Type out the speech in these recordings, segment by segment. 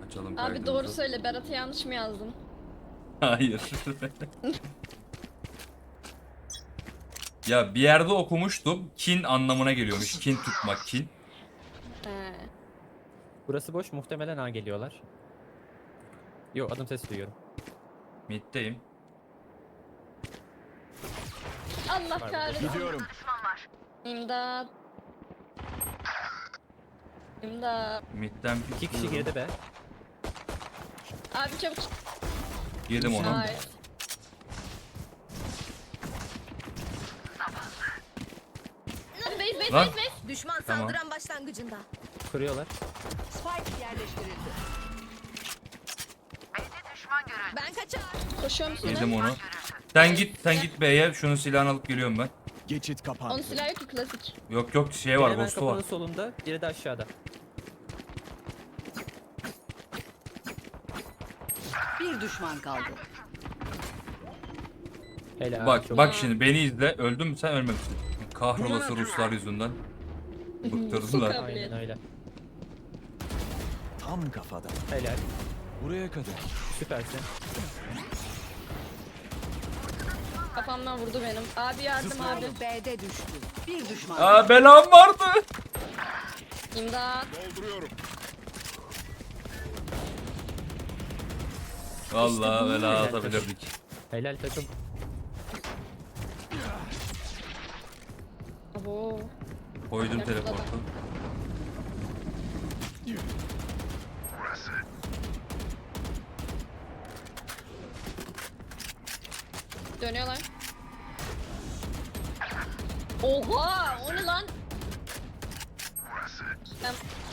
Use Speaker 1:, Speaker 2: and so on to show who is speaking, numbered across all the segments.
Speaker 1: Açalım
Speaker 2: Abi
Speaker 1: kaydımızı.
Speaker 2: doğru söyle, Berat'a yanlış mı yazdım?
Speaker 1: Hayır. Ya bir yerde okumuştum. Kin anlamına geliyormuş. Kin tutmak, kin.
Speaker 2: He.
Speaker 3: Burası boş, muhtemelen A geliyorlar. Yo, adım sesi duyuyorum.
Speaker 1: Mid'deyim.
Speaker 2: Allah
Speaker 3: Var
Speaker 2: kahretsin.
Speaker 4: Gidiyorum.
Speaker 2: İmdat. İmdat.
Speaker 1: Mid'den
Speaker 3: 2 kişi geride be.
Speaker 2: Abi çabuk.
Speaker 1: yedim onu.
Speaker 2: Hayır. Base base
Speaker 1: Lan.
Speaker 2: base base.
Speaker 5: Düşman
Speaker 1: Tamam.
Speaker 5: saldıran başlangıcında.
Speaker 3: Kuruyorlar.
Speaker 5: Spike yerleştirildi. Ben kaçar.
Speaker 2: Koşuyorum sana.
Speaker 1: Yedim onu. Sen git B'ye. Şunun silahını alıp geliyorum ben.
Speaker 4: Geçit
Speaker 2: Onun
Speaker 4: kapandı.
Speaker 2: silahı yok ki, klasik.
Speaker 1: Yok şey
Speaker 3: Biri
Speaker 1: var,
Speaker 3: hemen
Speaker 1: ghost'u
Speaker 3: kapının
Speaker 1: var.
Speaker 3: solunda, biri de aşağıda.
Speaker 5: Bir düşman kaldı.
Speaker 3: Helal.
Speaker 1: Bak
Speaker 3: çok-
Speaker 1: bak şimdi beni izle. Öldün mü sen, ölmemişsin. Kahrolası Ruslar yüzünden. Bıktırdılar.
Speaker 2: Sokağa.
Speaker 3: Aynen öyle.
Speaker 4: Tam kafada.
Speaker 3: Helal.
Speaker 4: Buraya kadar.
Speaker 3: Süpersin.
Speaker 2: Kafamdan vurdu benim. Abi yardım abi.
Speaker 5: B'de düştü. Bir düşman.
Speaker 1: Aa, belam vardı.
Speaker 2: İmdat.
Speaker 1: Vallahi bela
Speaker 3: Helal
Speaker 1: atabilirdik.
Speaker 3: Helal takım.
Speaker 2: Abo.
Speaker 1: Koydum
Speaker 2: Yakaladım.
Speaker 1: teleportu.
Speaker 2: Dönüyorlar. Oha! O ne lan? Ben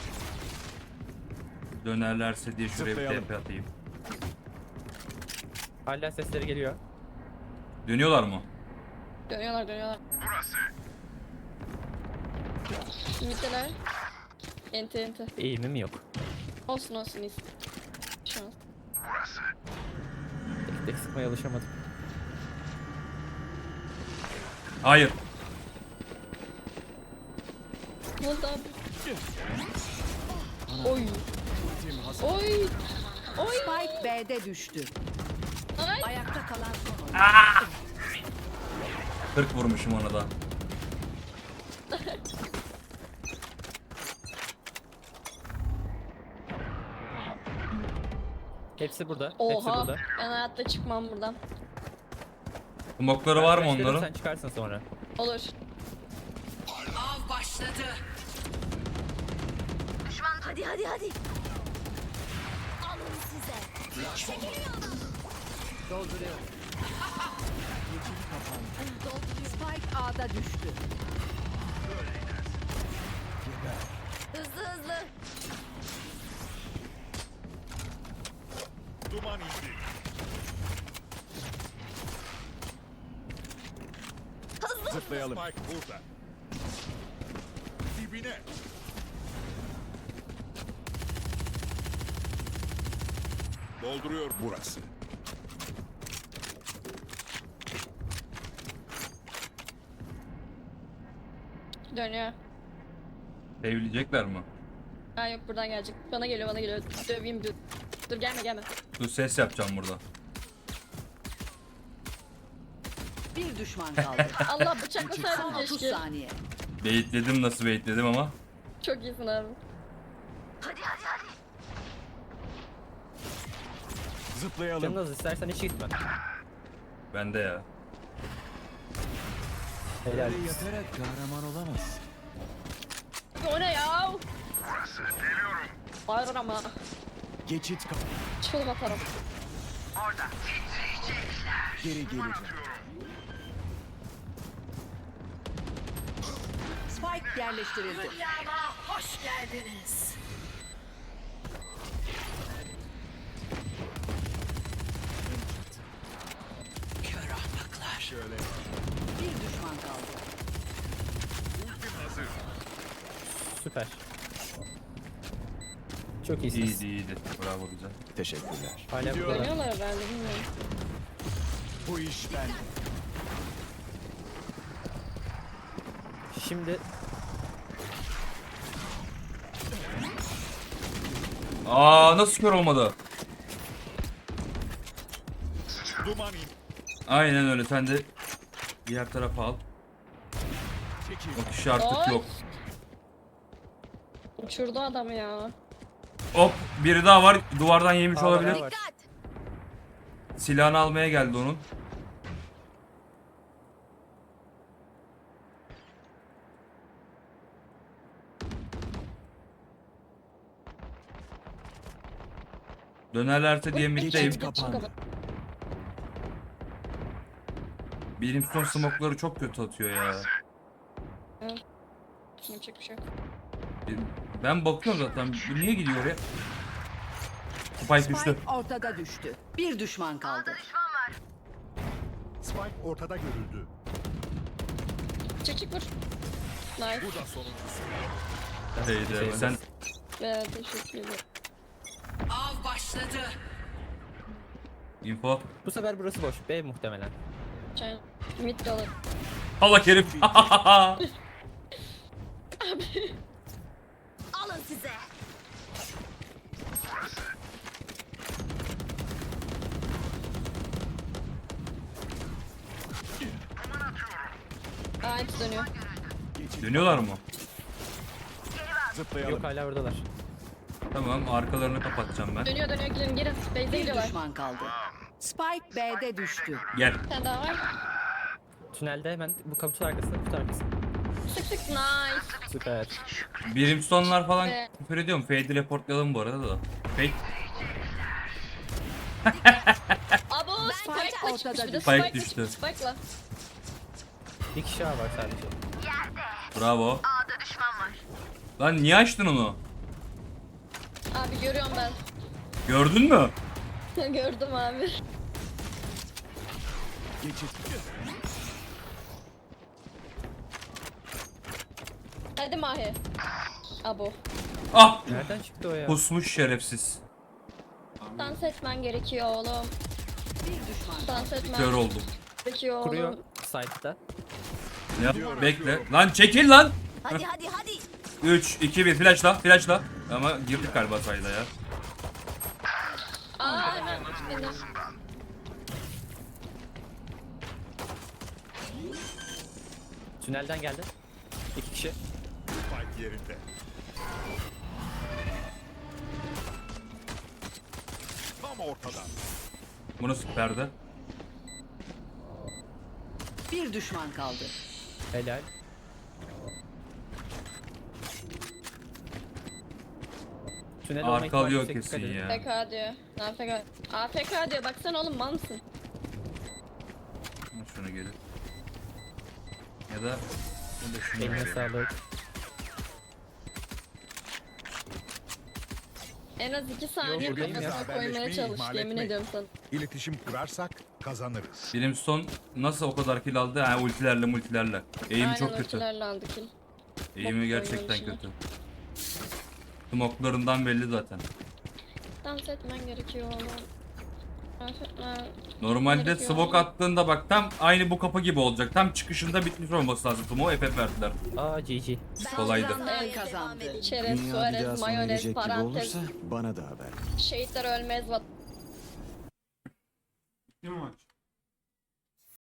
Speaker 1: Dönerlerse diye şuraya bir
Speaker 4: Zıplayalım.
Speaker 1: TP atayım.
Speaker 3: Hala sesleri geliyor.
Speaker 1: Dönüyorlar mı?
Speaker 2: dönüyorlar. Ümitteler. Ente.
Speaker 3: Eğimim yok.
Speaker 2: Olsun iyisin. Şu an.
Speaker 3: Tek tek sıkmaya alışamadım.
Speaker 1: Hayır.
Speaker 2: Ne oldu abi? Oy. Oy. Oy.
Speaker 5: Spike B'de düştü.
Speaker 2: Ay.
Speaker 5: Ayakta kalan son oyuncu.
Speaker 1: 40 vurmuşum ona da.
Speaker 3: Hepsi burada. Hepsi
Speaker 2: Oha.
Speaker 3: burada.
Speaker 2: Ben hayatta çıkmam buradan.
Speaker 1: Smokları var mı
Speaker 3: Arkadaşlarım,
Speaker 1: onların?
Speaker 3: Sen çıkarsın sonra.
Speaker 2: Olur.
Speaker 5: Av başladı. Düşman hadi. Alın size. Dolduruyorum. Spike A'da düştü. Hızlı.
Speaker 4: Duman indi. Zıplayalım. Spike burada. Dibine. Dolduruyor burası.
Speaker 2: Dönüyor.
Speaker 1: Sevleyecekler mi?
Speaker 2: Ha yok, buradan gelecek. Bana geliyor. Döveyim dur. Dur gelme.
Speaker 1: Dur, ses yapacağım burada.
Speaker 5: Bir düşman kaldı.
Speaker 2: Allah
Speaker 5: Son
Speaker 2: bıçaklasaydım
Speaker 5: 30
Speaker 2: keşke.
Speaker 5: saniye.
Speaker 1: Baitledim, nasıl baitledim ama.
Speaker 2: Çok iyisin abi.
Speaker 5: Hadi.
Speaker 4: Zıplayalım.
Speaker 3: Canın az, istersen hiç gitme.
Speaker 1: Bende ya.
Speaker 3: Helal.
Speaker 4: Böyle yatarak kahraman olamaz.
Speaker 2: O ne ya? Bağırır ama.
Speaker 4: Geçit kapandı.
Speaker 2: Çılım atarım.
Speaker 4: Geri geleceğim.
Speaker 5: Spike yerleştirildi.
Speaker 4: Şöyle.
Speaker 5: Bir düşman kaldı.
Speaker 3: Süper. Çok iyisiniz.
Speaker 1: İyiydi. Bravo, güzel.
Speaker 4: Teşekkürler.
Speaker 3: Hala
Speaker 4: Gidiyorum.
Speaker 3: burada.
Speaker 2: Dönüyorlar herhalde, bilmiyorum.
Speaker 4: Bu iş ben.
Speaker 3: Şimdi
Speaker 1: Aa nasıl kör olmadı?
Speaker 4: Duman in.
Speaker 1: Aynen öyle, sen de diğer tarafa al.
Speaker 4: Çekil.
Speaker 1: O kişi artık
Speaker 2: Oy.
Speaker 1: yok.
Speaker 2: Uçurdu adamı ya.
Speaker 1: Hop, biri daha var, duvardan yemiş
Speaker 3: Aa,
Speaker 1: olabilir.
Speaker 3: bayağı var.
Speaker 1: Silahını almaya geldi onun. Dönerlerse diye middeyim.
Speaker 4: Geçit kapandı.
Speaker 1: Benim son smoke'ları çok kötü atıyor ya.
Speaker 2: Yapacak bir şey yok.
Speaker 1: Ben bakıyorum zaten. Bu niye gidiyor oraya? Spike düştü.
Speaker 5: Spike ortada düştü. Bir düşman kaldı.
Speaker 4: Spike ortada görüldü.
Speaker 2: Çık çık vur. Nice.
Speaker 4: Bu da sonuncusu.
Speaker 1: Şeyde, sen
Speaker 2: Evet, teşekkür ederim.
Speaker 5: Av başladı.
Speaker 1: info.
Speaker 3: Bu sefer burası boş. B muhtemelen.
Speaker 2: Çay. Mid de olur.
Speaker 1: Allah herif.
Speaker 5: Alın size.
Speaker 2: Aa hepsi dönüyor.
Speaker 4: Geçit.
Speaker 1: Dönüyorlar mı?
Speaker 4: Zıplayalım.
Speaker 3: Yok hala oradalar.
Speaker 1: Tamam, arkalarını kapatacağım ben.
Speaker 2: Dönüyor dönüyor, girin girin. Base'e
Speaker 5: Bir
Speaker 2: gidiyorlar.
Speaker 5: düşman kaldı. Spike B'de düştü.
Speaker 1: Gel.
Speaker 2: Bir tane daha var.
Speaker 3: Tünelde hemen bu kutu arkasında, kutu arkasında.
Speaker 2: Sık sık, nice.
Speaker 3: Süper.
Speaker 1: Brimstone'lar falan
Speaker 2: Evet.
Speaker 1: küfür ediyorum. Fade'i reportlayalım bu arada da. Fade.
Speaker 2: Abo
Speaker 5: Spike
Speaker 2: Spike'la
Speaker 5: ortada
Speaker 2: çıkmış bir de.
Speaker 5: düştü.
Speaker 1: Spike
Speaker 2: Spike'la
Speaker 1: düştü.
Speaker 2: çıkmış, Spike'la.
Speaker 3: Bir kişi daha var sadece.
Speaker 1: Bravo. Lan niye açtın onu?
Speaker 2: Abi görüyorum ben.
Speaker 1: Gördün mü?
Speaker 2: Gördüm abi.
Speaker 4: Geçit.
Speaker 2: Hadi Mahi. Abo.
Speaker 1: Ah!
Speaker 3: Nereden çıktı o ya?
Speaker 1: Pusmuş şerefsiz.
Speaker 2: Dans etmen gerekiyor oğlum.
Speaker 5: Bir düşman kaldı.
Speaker 2: Dans etmen
Speaker 1: Kör oldum.
Speaker 2: gerekiyor
Speaker 3: Kuruyor
Speaker 2: oğlum.
Speaker 3: site'da.
Speaker 1: Ya bekle. Lan çekil lan.
Speaker 5: Hadi hadi hadi.
Speaker 1: 3, 2, 1 flashla, flashla. Ama girdik galiba sayda ya.
Speaker 2: Aa hemen. Beni.
Speaker 3: Tünelden geldi. 2 kişi.
Speaker 4: Spike yerinde. Tam ortada.
Speaker 1: Bu nasıl perde?
Speaker 5: Bir düşman kaldı.
Speaker 3: Helal. Tünel olma ihtimali
Speaker 1: Arkalıyor
Speaker 3: yüksek, dikkat
Speaker 1: kesin
Speaker 3: edin.
Speaker 1: ya.
Speaker 2: AFK diyor. AFK. AFK diyor. Baksana oğlum, mal mısın?
Speaker 1: Şunu gelir. Ya da şunu
Speaker 3: Eline
Speaker 1: gelir.
Speaker 3: sağlık.
Speaker 2: En az 2 saniye
Speaker 3: buradayım ya.
Speaker 2: kafasına koymaya
Speaker 4: Haberleşmeyi
Speaker 2: çalış.
Speaker 4: ihmal
Speaker 2: Yemin
Speaker 4: etmeyin.
Speaker 2: ediyorum sana.
Speaker 4: İletişim kurarsak kazanırız.
Speaker 1: Brimstone nasıl o kadar kill aldı? Ha, ultilerle multilerle. Eğim
Speaker 2: Aynen
Speaker 1: çok kötü.
Speaker 2: ultilerle aldı kill.
Speaker 1: Eğimi
Speaker 2: Bok
Speaker 1: gerçekten
Speaker 2: koyuyor
Speaker 1: kötü. Smoke'larından belli zaten.
Speaker 2: Dans etmen gerekiyor oğlum. Dans etmen.
Speaker 1: Normalde
Speaker 2: Gerekiyor.
Speaker 1: smoke attığında bak tam aynı bu kapı gibi olacak. Tam çıkışında bitmiş olması lazım. Smoke FF verdiler.
Speaker 3: Aa GG.
Speaker 1: Kolaydı.
Speaker 5: Saldıranlar kazandı.
Speaker 2: Çerez,
Speaker 6: Dünya bir
Speaker 2: Suarez,
Speaker 6: daha sona
Speaker 2: mayonez,
Speaker 6: erecek gibi
Speaker 2: parantez.
Speaker 6: olursa bana da haber.
Speaker 2: Şehitler ölmez.
Speaker 7: Kim maç?